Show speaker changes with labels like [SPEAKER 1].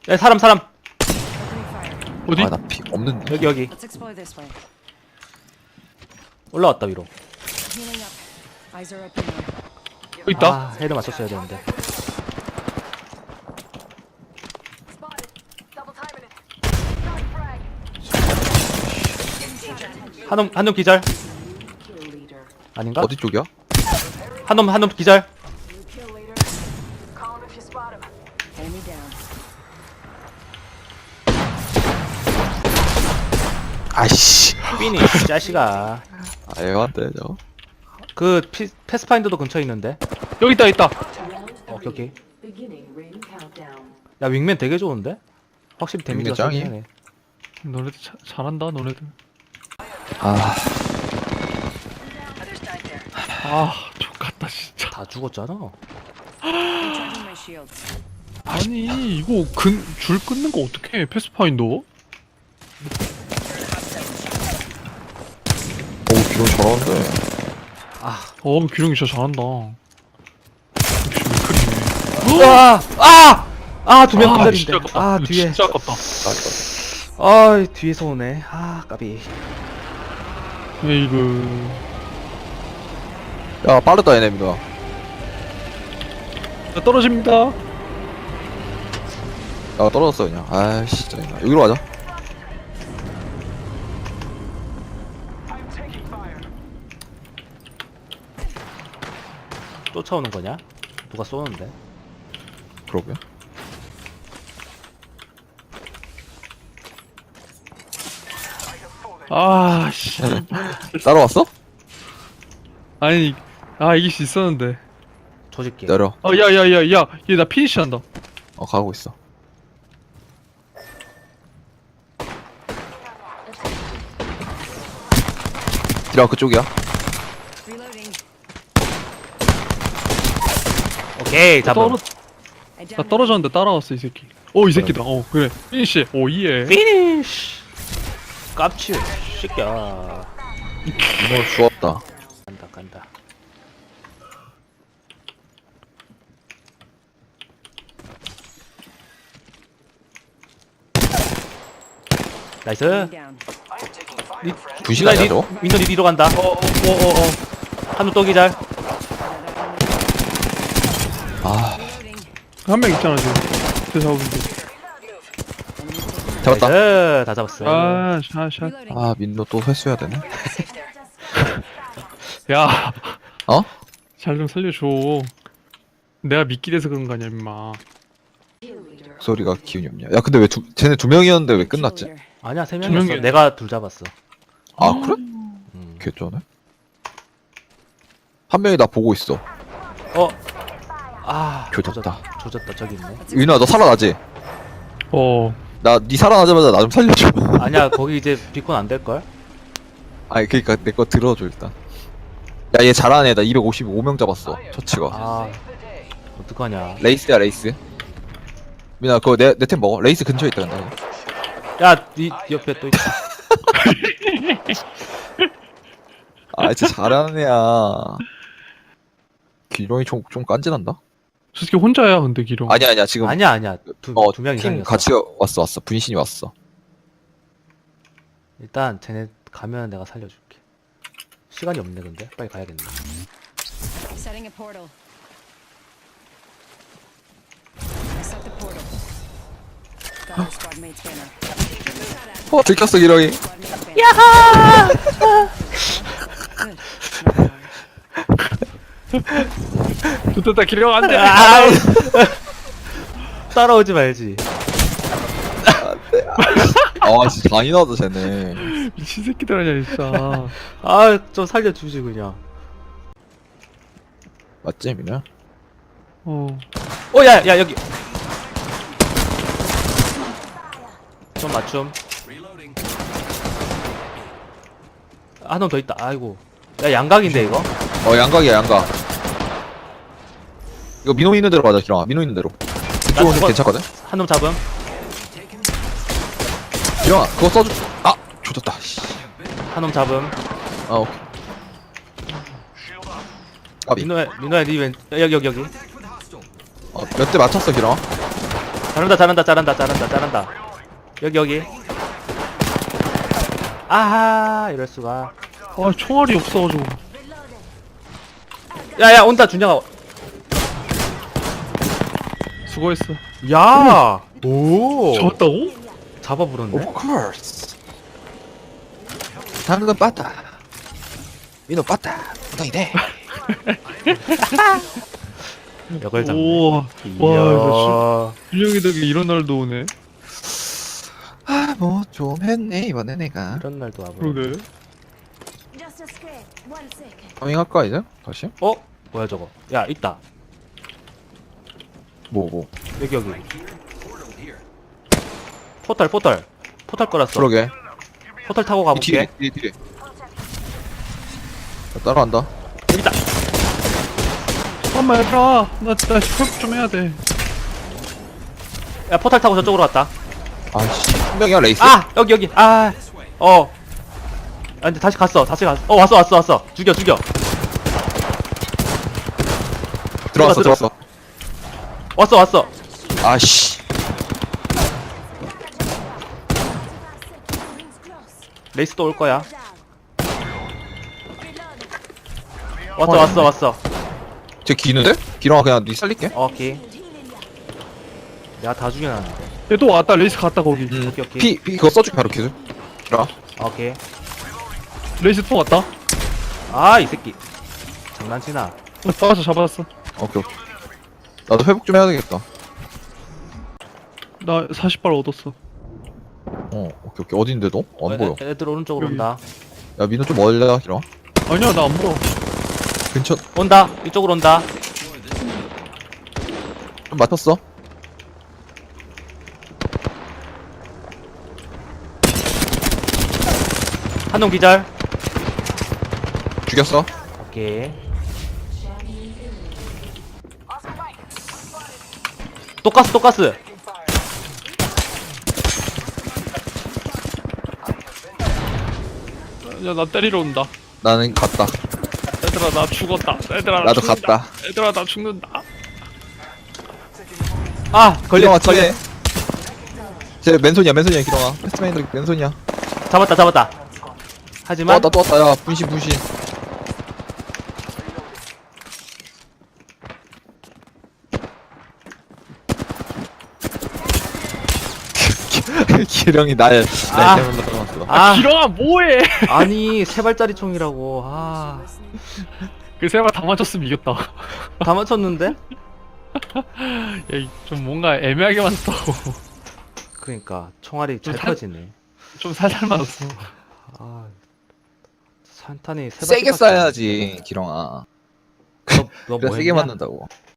[SPEAKER 1] 야, 사람.
[SPEAKER 2] 어디?
[SPEAKER 3] 아 나 피 없는데.
[SPEAKER 1] 여기.
[SPEAKER 4] Let's explore this way.
[SPEAKER 1] 올라왔다, 위로.
[SPEAKER 4] Healing up. Eyes are open now.
[SPEAKER 2] 여기 있다.
[SPEAKER 1] 아, 헤드 맞췄어야 되는데. 한 놈 기절. 아닌가?
[SPEAKER 3] 어디 쪽이야?
[SPEAKER 1] 한 놈 기절.
[SPEAKER 4] Enemy down.
[SPEAKER 3] 아이씨.
[SPEAKER 1] 삐니, 자식아.
[SPEAKER 3] 아 애한데 저거.
[SPEAKER 1] 그, 패스파인더도 근처에 있는데.
[SPEAKER 2] 여기 있다.
[SPEAKER 1] 오케이. 야, 윙맨 되게 좋은데? 확실히 데미지가
[SPEAKER 3] 윙맨 짱이야.
[SPEAKER 1] 세긴 하네.
[SPEAKER 2] 너네들 잘한다, 너네들.
[SPEAKER 3] 아
[SPEAKER 2] 족같다, 진짜.
[SPEAKER 1] 다 죽었잖아.
[SPEAKER 4] Recharging my shields.
[SPEAKER 2] 아니, 이거 줄 끊는 거 어떡해, 패스파인더?
[SPEAKER 3] 오 기분 잘하는데.
[SPEAKER 2] 기룡이 진짜 잘한다. 역시 맥클이네.
[SPEAKER 1] 두 명 기다린데.
[SPEAKER 2] 진짜 아깝다. 이거
[SPEAKER 1] 뒤에.
[SPEAKER 2] 진짜 아깝다.
[SPEAKER 1] 뒤에서 오네. 까비.
[SPEAKER 2] 에이그.
[SPEAKER 3] 야 빠르다 얘네 민호야.
[SPEAKER 2] 자, 떨어집니다.
[SPEAKER 3] 야 떨어졌어 그냥. 아이씨 짜증나. 여기로 가자.
[SPEAKER 1] 쫓아오는 거냐? 누가 쏘는데?
[SPEAKER 3] 그러게.
[SPEAKER 2] 씨.
[SPEAKER 3] 따라왔어?
[SPEAKER 2] 아니, 이길 수 있었는데.
[SPEAKER 1] 조질게.
[SPEAKER 3] 내려.
[SPEAKER 2] 야, 얘 나 피니시 한다.
[SPEAKER 3] 가고 있어. 디라 그쪽이야.
[SPEAKER 4] Reloading.
[SPEAKER 1] 오케이, 잡음.
[SPEAKER 4] I
[SPEAKER 2] 나
[SPEAKER 4] downed
[SPEAKER 2] 떨어졌는데 따라왔어, 이 새끼. 이 새끼다. 그래. 피니시. 이해.
[SPEAKER 1] 피니쉬. 깝치. 새끼야.
[SPEAKER 3] 민호 죽었다.
[SPEAKER 1] 간다. 나이스.
[SPEAKER 4] enemy down.
[SPEAKER 3] 분신하냐 저거?
[SPEAKER 1] 윈턴이 뒤로 간다. 한 놈 또 기절.
[SPEAKER 3] 아
[SPEAKER 4] Reloading.
[SPEAKER 2] 한 명 있잖아, 지금. 그 잡은데.
[SPEAKER 3] 잡았다.
[SPEAKER 1] 나이스. 다 잡았어.
[SPEAKER 2] 샷.
[SPEAKER 4] Reloading.
[SPEAKER 3] 아 민호 또 회수해야 되네.
[SPEAKER 2] 야,
[SPEAKER 3] 어?
[SPEAKER 2] 잘 좀 살려줘. 내가 미끼 돼서 그런 거 아니야, 임마.
[SPEAKER 3] 소리가 기운이 없냐. 야 근데 왜 쟤네 두 명이었는데 왜 끝났지?
[SPEAKER 4] Cheerleader.
[SPEAKER 1] 아니야, 세
[SPEAKER 2] 두
[SPEAKER 1] 명이었어.
[SPEAKER 2] 명이야.
[SPEAKER 1] 내가 둘 잡았어.
[SPEAKER 3] 아 그래?
[SPEAKER 1] 음.
[SPEAKER 3] 개쩌네. 한 명이 나 보고 있어.
[SPEAKER 1] 조졌다.
[SPEAKER 3] 조졌다.
[SPEAKER 1] 조졌다. 저기 있네.
[SPEAKER 3] 윤아 너 살아나지? 나 니 살아나자마자 나 좀 살려줘.
[SPEAKER 1] 아니야, 거기 이제 비콘 안 될 걸?
[SPEAKER 3] 아니 그니까 내 거 들어줘 일단. 야 얘 잘하네. 나 255명 잡았어. 처치가.
[SPEAKER 1] 어떡하냐.
[SPEAKER 3] 레이스야 레이스. 민아 그거 내 템 먹어. 레이스 근처에 있다 근데.
[SPEAKER 1] 야, 네 옆에 또 있다.
[SPEAKER 3] 아 진짜 잘하는 애야. 기룡이 좀 깐진한다.
[SPEAKER 2] 솔직히 혼자야, 근데 기룡.
[SPEAKER 3] 아니야 지금.
[SPEAKER 1] 아니야. 두 명
[SPEAKER 3] 팀
[SPEAKER 1] 이상이었어.
[SPEAKER 3] 같이 왔어. 분신이 왔어.
[SPEAKER 1] 일단 쟤네 가면 내가 살려줄게. 시간이 없네 근데. 빨리 가야겠네.
[SPEAKER 4] Setting a portal. I set the portal. Got our squad mate's banner.
[SPEAKER 3] 들켰어 기룡이.
[SPEAKER 4] Squad mate's banner. Good.
[SPEAKER 2] 됐다, 기룡 안 돼!
[SPEAKER 1] 따라오지 말지.
[SPEAKER 3] 아 진짜 잔인하다 쟤네.
[SPEAKER 2] 미친 새끼들 아니야, 진짜.
[SPEAKER 1] 좀 살려주지 그냥.
[SPEAKER 3] 맞지 민아?
[SPEAKER 1] 야, 여기. 좀 맞춤. 한 놈 더 있다. 아이고. 야, 양각인데 이거?
[SPEAKER 3] 양각이야 양각. 이거 민호 있는 대로 가자 기룡아. 민호 있는 대로. 그쪽은
[SPEAKER 1] 저거-
[SPEAKER 3] 괜찮거든?
[SPEAKER 1] 한 놈 잡음.
[SPEAKER 3] 기룡아 그거 써줘. 아 조졌다. 씨.
[SPEAKER 1] 한 놈 잡음.
[SPEAKER 3] 아 오케이. 아비.
[SPEAKER 1] 민호야, 니 왼. 여기.
[SPEAKER 3] 몇 대 맞췄어 기룡아?
[SPEAKER 1] 잘한다. 여기. 아하, 이럴 수가.
[SPEAKER 2] 아 총알이 없어가지고.
[SPEAKER 1] 야, 온다, 준영아.
[SPEAKER 2] 수고했어.
[SPEAKER 1] 야, 오.
[SPEAKER 2] 졌다고?
[SPEAKER 1] 잡아 부른데?
[SPEAKER 3] Of course. 당근 빠따. 민호 빠따. 엉덩이 대.
[SPEAKER 1] 역을 잡네.
[SPEAKER 2] 오. 와,
[SPEAKER 1] 이야.
[SPEAKER 2] 준영이 덕에 이런 날도 오네.
[SPEAKER 3] 아, 뭐 좀 했네 이번에 내가.
[SPEAKER 1] 이런 날도 와버.
[SPEAKER 2] 그러게.
[SPEAKER 4] Just a script. 1 second.
[SPEAKER 3] 파밍할까 이제? 다시?
[SPEAKER 1] 어? 뭐야 저거? 야, 있다.
[SPEAKER 3] 뭐.
[SPEAKER 1] 여기. 포털 걸었어.
[SPEAKER 3] 그러게.
[SPEAKER 1] 포털 타고
[SPEAKER 3] 이
[SPEAKER 1] 가볼게.
[SPEAKER 3] 뒤에. 나 따라간다.
[SPEAKER 1] 여기 있다.
[SPEAKER 2] 잠깐만 얘들아. 나 회복 좀 해야 돼.
[SPEAKER 1] 야, 포털 타고 저쪽으로 갔다.
[SPEAKER 3] 아씨, 한 명이야 레이스.
[SPEAKER 1] 아, 여기. 아, 근데 다시 갔어. 왔어. 죽여.
[SPEAKER 3] 들어왔어.
[SPEAKER 1] 왔어.
[SPEAKER 3] 아씨.
[SPEAKER 1] 레이스 또 올 거야. 왔어.
[SPEAKER 3] 쟤 기는데? 기렁아 그냥 니 살릴게.
[SPEAKER 1] 오케이. 내가 다 죽여놨는데.
[SPEAKER 2] 얘 또 왔다. 레이스 갔다 거기.
[SPEAKER 1] 오케이.
[SPEAKER 3] 피 그거 써줄게 바로 기술. 기렁아.
[SPEAKER 1] 오케이.
[SPEAKER 2] 레이스 또 왔다.
[SPEAKER 1] 아, 이 새끼. 장난치나.
[SPEAKER 2] 잡았어.
[SPEAKER 3] 오케이. 나도 회복 좀 해야 되겠다.
[SPEAKER 2] 나 40발 얻었어.
[SPEAKER 3] 오케이. 어딘데 너? 안 보여.
[SPEAKER 1] 애들 오른쪽으로
[SPEAKER 2] 여기.
[SPEAKER 1] 온다.
[SPEAKER 3] 야 민호 좀 멀려 기렁아.
[SPEAKER 2] 아니야 나 안 보여.
[SPEAKER 3] 근처
[SPEAKER 1] 온다. 이쪽으로 온다.
[SPEAKER 3] 좀 맞췄어.
[SPEAKER 1] 한 놈 기절.
[SPEAKER 3] 죽였어.
[SPEAKER 1] 오케이. 또 가스.
[SPEAKER 2] 야 나 때리러 온다.
[SPEAKER 3] 나는 갔다.
[SPEAKER 2] 얘들아 나 죽었다. 얘들아 나
[SPEAKER 3] 나도
[SPEAKER 2] 죽는다.
[SPEAKER 3] 갔다.
[SPEAKER 2] 얘들아 나 죽는다.
[SPEAKER 1] 아,
[SPEAKER 3] 기렁아
[SPEAKER 1] 걸려.
[SPEAKER 3] 뒤에. 쟤 맨손이야 기렁아. 패스트맨들 맨손이야.
[SPEAKER 1] 잡았다. 하지만
[SPEAKER 3] 또 왔다. 야 분신. 기령이 날
[SPEAKER 1] 아.
[SPEAKER 3] 때문에 떨어졌어.
[SPEAKER 2] 기렁아 뭐해?
[SPEAKER 1] 아니, 세 발짜리 총이라고.
[SPEAKER 2] 그 세 발 다 맞췄으면 이겼다.
[SPEAKER 1] 다 맞췄는데?
[SPEAKER 2] 야좀 뭔가 애매하게 맞았어.
[SPEAKER 1] 그러니까 총알이 잘
[SPEAKER 2] 살-
[SPEAKER 1] 터지네.
[SPEAKER 2] 좀 살살 맞았어.
[SPEAKER 1] 산탄이 세
[SPEAKER 3] 세게
[SPEAKER 1] 발씩
[SPEAKER 3] 쏴야지 기렁아.
[SPEAKER 1] 너
[SPEAKER 3] 그래
[SPEAKER 1] 뭐
[SPEAKER 3] 세게
[SPEAKER 1] 했냐?
[SPEAKER 3] 맞는다고.